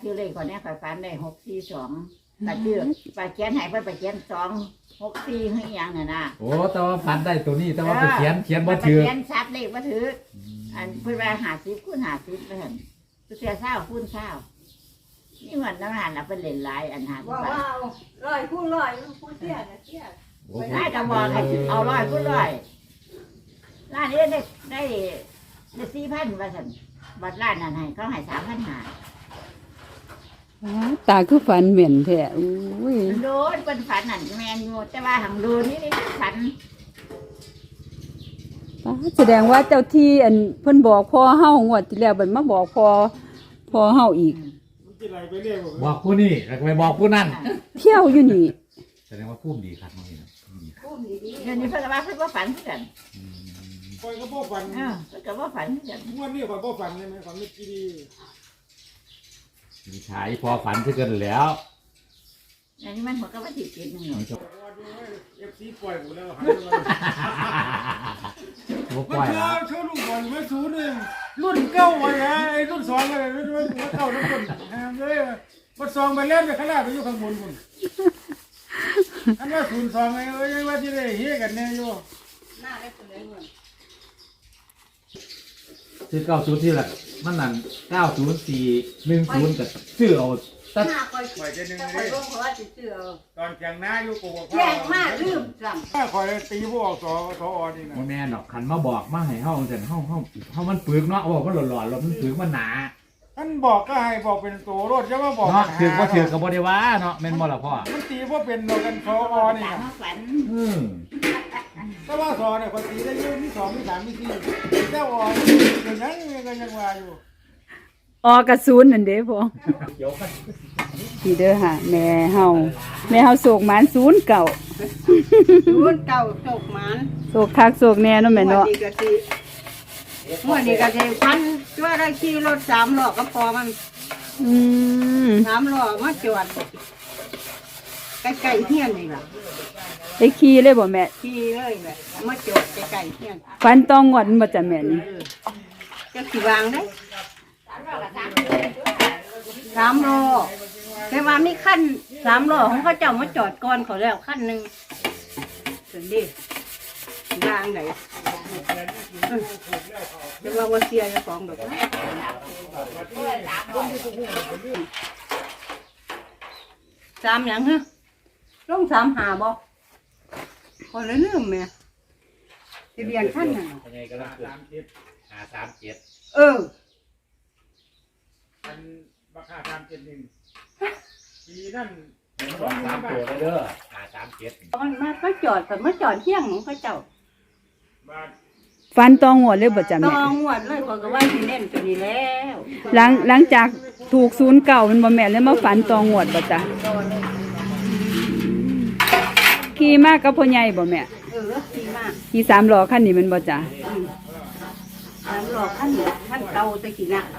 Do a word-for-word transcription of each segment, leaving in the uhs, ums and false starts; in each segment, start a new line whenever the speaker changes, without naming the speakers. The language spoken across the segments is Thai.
ชื่อเลขคนนี้ข่อยฝันได้หกสี่สองแต่ชื่อไปเขียนให้เพิ่นไปเขียนสองหกสี่ให้ยังน่ะนะ
โอ้แต่ว่าฝันได้ตัวนี้แต่ว่าไปเขียนเขียนบ่ถือ
เขียนชัดเลขบ่ถืออันเพิ่นว่าห้าสิบคูณห้าสิบไปหั่นเพิ่นเสียเศร้าคูณเศร้านี่วันนั้นหันน่ะเพิ่นเล่นหลายอันหาบ่ว่า
ร้อยคูณร้อยคูณเสียน่ะเสีย
ได้ก็บอกให้เอาร้อยคูณร้อยร้านนี้ได้ได้ได้สี่พันว่าซั่นบัดร้านนั้นให้เขาให้สามพันห้า
ตาคือฝันเหม็นแท้อุ้ย
โดนเป็นฝันนั่นแมนอยู่แต่ว่าหังดูนี่นี่ฝัน
แสดงว่าเจ้าที่อันเพิ่นบอกพ่อเฮางวดที่แล้วบัดมาบอกพ่อพ่อเฮาอีก
บอกผู้นี้แล้วก็ไปบอกผู้นั้น
เที่ยวอยู่นี่
แสดงว่าพุ่มดีครับน้องนี่
พุ่มดีเดี๋ยวนี้เพิ่นว่าเพิ่นว่าฝันกัน
คอยก็บ่ฝัน
เออเพิ่นก็ว่าฝันกัน
วันนี้คอยบ่ฝันใช่ไหมฝันไม่กี่ดี
มีชายพอฝันคือกันแล้ว
อันนี้มันหัวก็ว่าติดเกณฑ์นึงเนาะ
เอฟซีปล่อยหมดแล้วหันมา
บ่ปล่อย
แล้วโชว์ลูกบอลมาศูนย์หนึ่งรุ่นเก้าไว้ไอ้รุ่นสองอะไรรุ่นรุ่นเก้ารุ่นคนแฮมเลยวัดซองไปเล่นไปข้างหน้าไปอยู่ข้างบนคุณอันว่าศูนย์สองไงเอ้ยว่าที่ได้เฮียกันแน่อยู่
หน้าได้คนเลยเหมือน
ซื้อเก้าศูนย์ที่ละมันนั่นเก้าศูนย์สี่หนึ่งศูนย์กับซื้อเอา
ตัดปล่อยจะนึงเลย
ตอนแข่งหน้าอยู่กูบอก
แข่งมากลืมจ
ำถ้าคอยตีพวกสอสออนี่นะ
แม่นอกขันมาบอกมาให้เฮาแต่เฮาเฮาเฮามันปึกเนาะบอกมันหล่อๆแล้วมันปึกมันหนา
ท่านบอกก็ให้บอกเป็นตัวรถจะมาบอก
เนาะถือบ่ถือก็บ่ได้ว่าเนาะแม่นบ่ล่ะพ่อ
มันตีว่าเป็นกันสออนี่นะ
อืม
ถ้าว่าสอเนี่ยคนตีได้เยอะที่สองที่สามที่สี่เจ้าอออย่างนั้นยังยังว่าอยู่
ออกระสุนนั่นเด้พ่อพี่เด้อค่ะแม่เฮาแม่เฮาโศกหมานศูนย์เก่า
ศูนย์เก่าโศกหมาน
โศกคักโศกแน่เนาะแม่เนาะ
เมื่อนี้ก็สิพันช่วยได้ขี่รถสามล้อก็พอมัน
อืม
สามล้อมาจอดใกล้ๆเฮียนนี่ล่ะ
ได้ขี่เลยบ่แม่
ขี่เลยแหละมาจอดใกล้ๆเฮียน
ฟันต้องงวดบ่จ้ะแม่นี่
จะสิวางได้สามล้อแต่ว่ามีขั้นสามล้อของเขาเจ้ามาจอดก่อนเขาแล้วขั้นหนึ่งถึงดิวางไหนจะว่าว่าเสียจะฟ้องแบบนั้นสามอย่างฮะลงสามหาบ่คนละเรื่องแม่ทะเบียนขั้นน่ะ
ยังไงก็ต้องสามเจ็ดหาสามเจ็ด
เออ
อันราคาสามเจ็ดหนึ่งปีนั่น
สองสามตัวเด้อหาสามเจ็ด
มันมาก็จอดแต่มาจอดเที่ยงของเขาเจ้า
ฟันต้องงวดเลยบ่จ้ะแม่
ต้องงวดเลยคนก็ว่าสิเล่นตัวนี้แล้ว
หลังหลังจากถูกศูนย์เก่ามันบ่แม่นแล้วมาฝันต้องงวดบ่จ้ะขี่มากกับพ่อใหญ่บ่แม่
เออขี่มาก
ขี่สามล้อคันนี้มันบ่จ้ะ
สามล้อคันคันเก่าตะกี้น่ะ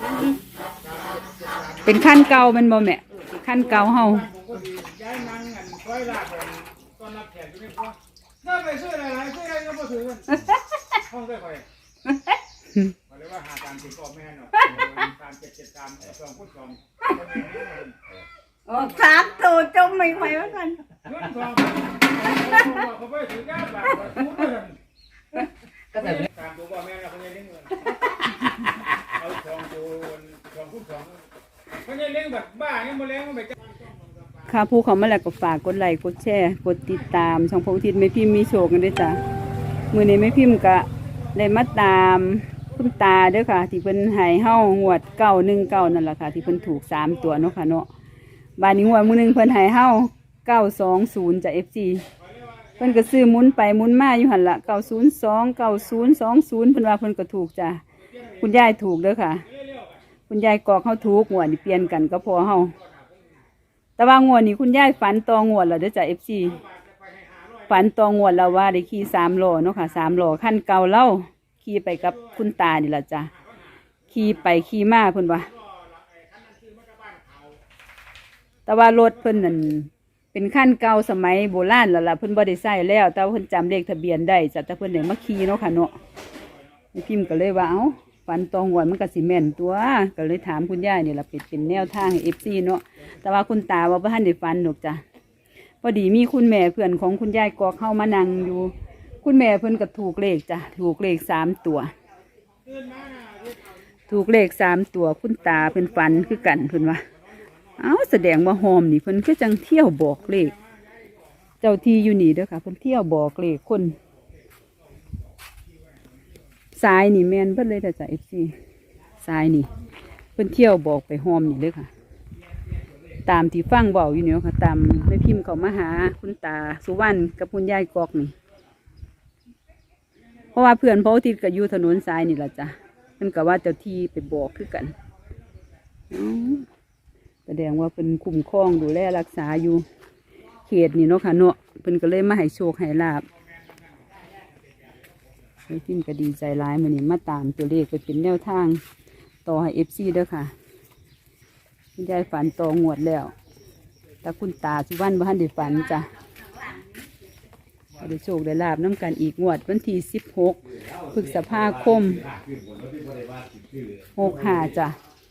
เป็นขั้นเก่ามันบ่แม่ขั้นเก่าเฮา
ย้ายนั่งอันค่อยลากตอนรับแขกอยู่ในครัวน่าไปซื้ออะไรซื้ออะไรก็มาถือห้องได้ค่อยมาเลยว่าหาการติดต่อแม่หน่อยการเจ็ดเจ็ดตามสองพุทธสอง
โอ้สามตัวจมไม่ไหวแล้วกัน
เงินสองเขาไปถือก้าวแบบพุทธเลยก็แต่ตามตัวพ่อแม่เราคนยังเลี้ยงเงินเอาสองตัวสองพุทธสองคนยังเลี้ยงแบบบ้าเนี่ยมาเลี้ยงมันไป
ค่ะผู้เขามาแล้วก็ฝากกดไลค์กดแชร์กดติดตามช่องพงทิศแม่พิมพ์มีโชคกันด้วยจ้ะมื้อนี้แม่พิมพ์ก็ได้มาตามคุณตาเด้อค่ะที่เพิ่นให้เฮางวดเก้าหนึ่งเก้านั่นแหละค่ะที่เพิ่นถูกสามตัวเนาะค่ะเนาะบาดนี้งวดมื้อนึงเพิ่นให้เฮาเก้าสองศูนย์จาก เอฟ ซี เพิ่นก็ซื้อหมุนไปหมุนมาอยู่หั่นล่ะเก้าศูนย์สองเก้าศูนย์สองศูนย์เพิ่นว่าเพิ่นก็ถูกจ้ะคุณยายถูกเด้อค่ะคุณยายกอกเฮาถูกงวดนี่เปลี่ยนกันก็พอเฮาแต่ว่างวดนี้คุณยายฝันตองวดแล้วเด้อจ้ะ เอฟ ซี ฝันตองวดแล้วว่าได้ขี่สามล้อเนาะค่ะสามล้อคันเก่าเล่าขี่ไปกับคุณตานี่ล่ะจ้ะขี่ไปขี่มาเพิ่นว่าแต่ว่ารถเพิ่นนั่นเป็นคันเก่าสมัยโบราณแล้วล่ะเพิ่นบ่ได้ใช้แล้วแต่เพิ่นจำเลขทะเบียนได้จ้ะแต่เพิ่นได้มาขี่เนาะค่ะเนาะพิมพ์ก็เลยว่าเอ้าฝัฝันตองหวนมันก็สิแม่นตัวก็เลยถามคุณยายนี่ล่ะเป็นเป็นแนวทางให้ เอฟ ซี เนาะแต่ว่าคุณตาว่าบ่ทันได้ฝันดอกจ้ะพอดีมีคุณแม่เพื่อนของคุณยายกอกเข้ามานั่งอยู่คุณแม่เพิ่นก็ถูกเลขจ้ะถูกเลขสามตัวถูกเลขสามตัวคุณตาเพิ่นฝันคือกันเพิ่นว่าเอ้าแสดงว่าหอมนี่เพิ่นคือจังเที่ยวบอกเลขเจ้าที่อยู่นี่เด้อค่ะเพิ่นเที่ยวบอกเลขคนสายนี่แม่นเพิ่นเลยแต่จ้ะ เอฟ ซี สายนี่เพิ่นเที่ยวบอกไปหอมนี่เลยค่ะตามที่ฟังเบาอยู่เนี่ยค่ะตามไม่พิมพ์เขามาหาคุณตาสุวรรณกับคุณยายกอกนี่เพราะว่าเพื่อนเพราะที่ก็อยู่ถนนสายนี่แหละจ้ะเพิ่นก็ว่าเจ้าที่ไปบอกคือกันอ๋อแสดงว่าเป็นคุ้มครองดูแลรักษาอยู่เขตนี่เนาะค่ะเนาะเพิ่นก็เลยมาให้โชคให้ลาบไม่พิมพ์ก็ดีใจร้ายมื้อนี้มาตามตัวเลขไปเป็นแนวทางต่อให้ เอฟ ซี เด้อค่ะคุณยายฝันต่องวดแล้วแต่คุณตาสุวรรณบ่ทันได้ฝันจ้ะได้โชคได้ลาบน้ำกันอีกงวดวันที่สิบหกพฤษภาคมหกห้าจ้ะ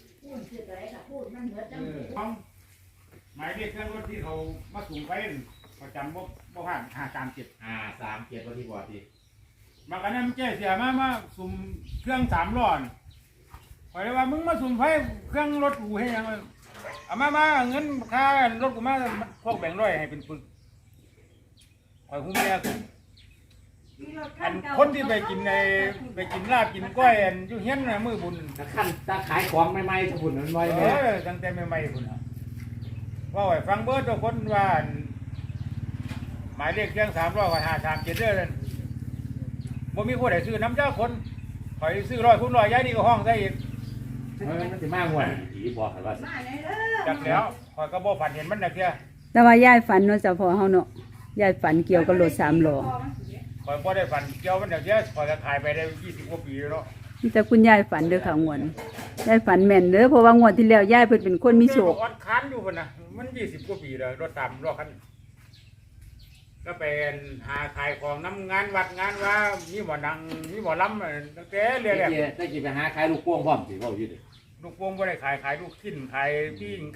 หมายเลขเครื่องรถที่เขามาสูงไปประจำบ่บ่ผ่านห้าสามเจ็ด
อ่าสามเจ็ดวันที่บอดี
มากันนั้นแจ้เสียมามาสุ่มเครื่องสามล้อนคอยเลยว่ามึงมาสุ่มไฟเครื่องรถกูให้ยังเอามามาเงินค่ารถกูมาพวกแบ่งร้อยให้เป็นปึกคอยคุ้มแย่สุดอันคนที่ไปกินในไปกินลาบกินก้อยอันอยู่เฮี้ยนนะมือบุญ
ถ้าขั้นถ้าขายของใหม่ๆถ้าหุ่นมันไว้
เอ
เนี่ย
อตั้งแต่ใหม่ๆบุญว่าไว้ฟังเบิร์ดทุกคนว่าหมายเลขเครื่องสามร้อยกับห้าสามเจ็ดเด้อนั่นบ่มีผู้ใดซื้อน้ำเจ้าคนคอยซื้อร้อยคุณร้อยย้ายนี่ก็ห้องได้อีก
เออมันจะมากกว่าผีบอกกันว่า
จักแล้วคอยก็บ่ฝันเห็นมันนะเพีย
แต่ว่ายายฝันเนาะเจ้าพ่อเฮาเนาะยายฝันเกี่ยวกับรถสามล้อ
คอยบ่ได้ฝันเกี่ยวมันเดี๋ยวเนี้ยคอยจะขายไปได้ยี่สิบกว่าปีแล้วเนาะ
มีแต่คุณยายฝันเด้อค่ะงวดยายฝันแม่นเด้อเพราะว่างวดที่แล้วยายเพิ่นเป็นคนมีโชค
อดคันอยู่พุ่นน่ะมันยี่สิบกว่าปีแล้วรถตามรถคันก็เป็นหาขายของน้ำงานวัดงานว่ามีหมอนังมีหมอลำตั้งแต่เรื่อย
ได้กี่ไปหาขายลูกพ่วงพร้อมสิว่าอยู่ดิ
ๆลูกวงบ่ได้ขายขายลูกชิ้นขายปิ้งไก่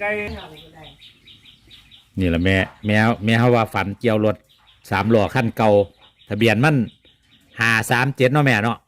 นี่แหละแม่แม่แม่เขาว่าฝันเกี่ยวรถสามล้อขั้นเก่าทะเบียนมันห้าสามเจ็ดเนาะแม่เนาะ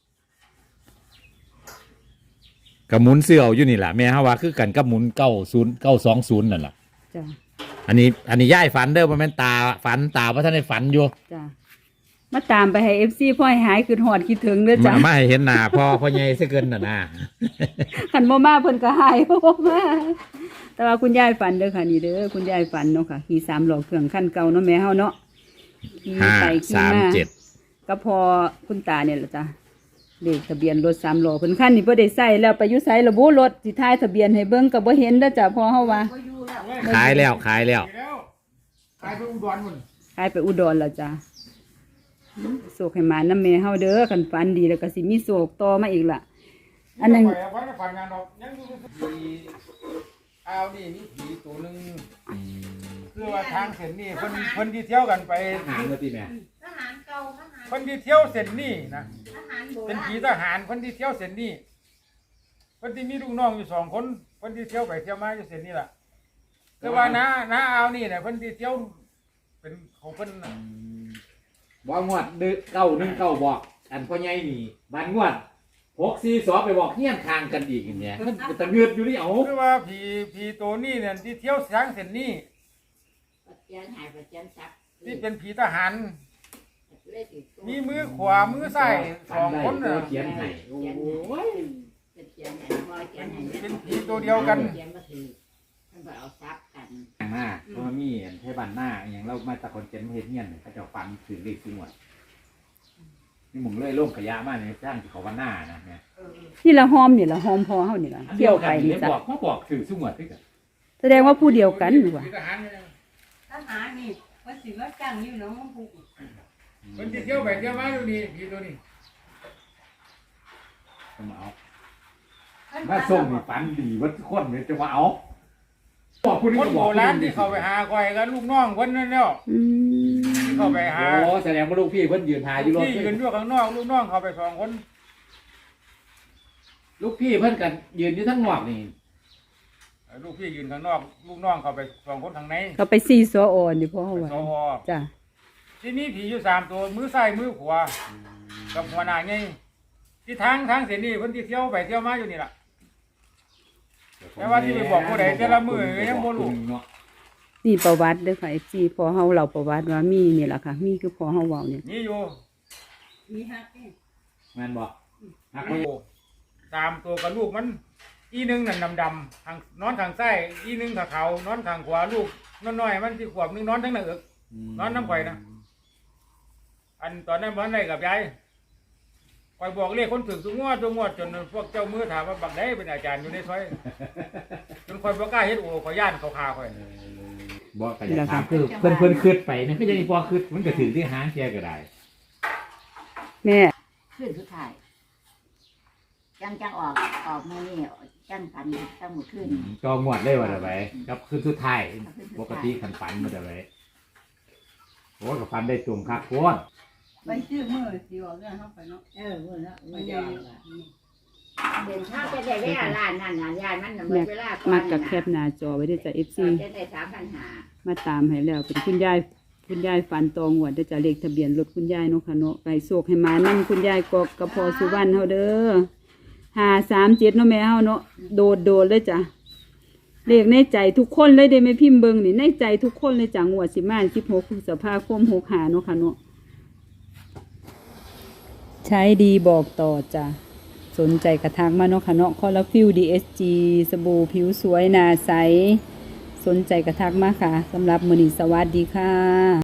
กระมุนเสื้ออยู่นี่แหละแม่เขาว่าคือกันกับหมุนเก้าศูนย์เก้าสองศูนย์นั่นแหละ
จ้ะ
อันนี้อันนี้ย่ายฝันเด้อมันเป็นตาฝันตาเพราะท่านได้ฝันอยู่
จ้ะมาตามไปให้ เอฟ ซี พ่อให้หายคือหอดคิดถึงเด้อจ้ะ
มาไม่ให้เห็นหน้าพ่อพ่อใหญ่ซะเกินน่ะนะ
คันบ่มาเพิ่นก็หายบ่มาแต่ว่าคุณยายฝันเด้อค่ะนี่เด้อคุณยายฝันเนาะค่ะขี่สามล้อเครื่องคันเก่าเนาะแม่เฮาเนาะขี่
ห้า
ไปขี่
สาม
มา
เจ็ด
ก็พอคุณตาเนี่ยแหละจ้ะเลขทะเบียนรถสามล้อเพิ่นคันนี่บ่ได้ใส่แล้วไปอยู่ไสระบุรถสิถ่ายทะเบียนให้เบิ่งก็บ่เห็นเด้อจ้ะพ่อเฮาว่า
ขายแล้วขายแล้ว
แล้วขายไปอุดรพุ่น
ขายไปอุดรแล้วจ้ะโศกให้หมาน้ำแม่เฮาเด้อคันฝันดีแล้วก็สิมีโศกต่อมาอีกล่ะอันนั้น
ข่อยเอาไว้ฝันงานดอกยังอยู่ผีอ้าวนี่มีผีตัวหนึงคือว่าทางเส้นนี้เพิ่นเพิ่นที่เที่ยวกันไป
หางเมื่อที่แม่
ทหารเก่าทหาร
คนที่เที่ยวเส้นนี้นะ
ทหารโบ
เป็น
ราณ
ผีทหารคนที่เที่ยวเส้นนี้คนที่มีลูกน้องอยู่สองคนคนที่เที่ยวไปเที่ยวมาอยู่เส้นนี้ล่ะแต่ว่าน้าน้าเอานี่เนี่ยคนที่เที่ยวเป็นของเพิ่นน่ะ
บอกงวดดึกเก้าหนึ่งเก้าบอก อันพ่อใหญ่นี่บ้านงวดหกสี่สองไปบอกเฮี้ยนทางกันอีกอย่างเงี้ยมันเป็นตะเงือดอยู่นี่เอา
คือว่าผีผีตัวนี้เนี่ยที่เที่ยวทางเส้นนี้ที่เป็นผีทหารมีมือขวามือซ้ายสองคน
น่ะ
น่ะ
เขียนให้โอ้ย
เป็นผีตัวเดียวกัน
หน้าเพราะว่ามีอันไทบ้านหน้าอหย่างเรามาตะคนเจนเฮ็ดเงี้ยนเขาจะฟันถึงเลขที่หมดนี่หมุงเลยลงขยะมาในสร้างที่เขาวันหน้านะเนี่ย
นี่ละหอมนี่ละหอมพอเฮานี่ละเที่ยวไปนี่
นี่
จ้ะ
บอกเขาบอกถือสุ่มวดที่กัน
แสดงว่าผู้เดียวกันนี่ว่า
ผีทหารเนี่ย
ทหารนี่ว่าสิว่าจ้างอยู่หน้องมังคุก
คนที่เที่ยวไปเที่ยวมาอยู่นี่ผีตัวนี้
จะมาเอามาส่งนี่ฝันดีวัดทุกคนเนี่ยจะมาเอาบอกคุณ
คนโบราณที่เขาไปหาก้อยกันลูกน้องคนนั้นแล้ว
อืม
ที่เขาไปหา
โอ้แสดงว่าลูกพี่เพิ่นยืนทายอยู่รถ
ที่ยืนอยู่ข้างนอกลูกน้องเขาไปสองคน
ลูกพี่เพิ่นกันยืนอยู่ทั้งนอกนี่
ลูกพี่ยืนข้างนอกลูกน้องเข้าไปสองคนข้างใน
เขาไปซีซออ่อนอยู่พ่อเขา
เป็น
ว่า
สว
จ้ะ
ที่นี่ผีอยู่สามตัวมือซ้ายมือขวากับหัวหน้าไงที่ทางทางเส้นนี้เพิ่นที่เที่ยวไปเที่ยวมาอยู่นี่ล่ะ แต่ว่าที่ไปบอกผู้ใดแต่ละมื้อยังบ่รู้
นี่ประวัติเด้อค่ะ เอฟ ซี พอเฮาเล่าประวัติว่ามีนี่ล่ะค่ะ มีคือพอเฮาเว้าเนี่ย
นี่อยู่
มีฮักเอง
แม่นบ่ฮัก
โอ้สามตัวกับลูกมัน อีหนึงนั่นดำๆทางนอนทางซ้ายอีหนึงขาเขานอนทางขวาลูกน้อยๆมันสิขวบหนึงนอนทั้งหน้าอก นอนน้ำข่อยนะ อันตอนนั้นบ่ได้กับยายคอยบอกเรียกคนถึงทุกงวดทุกงวดจนพวกเจ้ามือถามว่าบักได้เป็นอาจารย์อยู่ในซอยจนคอยบ่กล้าเฮ็ดโอ้ขอยย่านเขาคาคอย
บ่ก็อยากถามคือเพิ่นเพิ่นคิดไปนะก็ยังบ่คิดมันก็ถึงที่หางแกก็ได้
แม่
ขึ้นสุดท้ายจังจังออกออกมือนี่จังกันตั้งหมดขึ้น
จองหมวดเลยว่าได้ไว้กับคืนสุดท้ายปกติคันฝันบ่ได้ไว้โอ้ก็ฝันได้ตุ่มคักโคตร
ไปซื้อมือสิออกเรื่องเข้าไปเนาะ
เออมือละ
ไป
มือ
เย
เดียว
อะ
เดินทางไปได้เวลาล้านนั่นน่ะยายมันน่ะหม
แม่
ดเวลาก่อน
มักกับแคปหน้าจอไว้เด้อจ้ะ เอฟ ซี
จะได้สามพันหา
มาตามให้แล้วเป็นคุณยายคุณยายฝันตองหวดเด้อจ้ะเลขทะเบียนรถคุณยายเนาะค่ะเนาะไปโศกให้มานํคุณยายกอกกับพอสุวรรณเฮาเด้อห้าสามเจ็ดเนาะแม่เฮาเนาะโดดโดดเลยจ้ะเลขในใจทุกคนเลยได้แม่พิมพ์เบิ่งนี่ในใจทุกคนเลยจ้ะงวดสิมาสิบหกพฤษภาคมหกห้าเนาะค่ะเนาะใช้ดีบอกต่อจ้ะสนใจกระทักมาเนาะค่ะเนาะคอลลาฟิล ดี เอส จี สบู่ผิวสวยหน้าใสสนใจกระทักมาค่ะสำหรับมื้อนี้สวัสดีค่ะ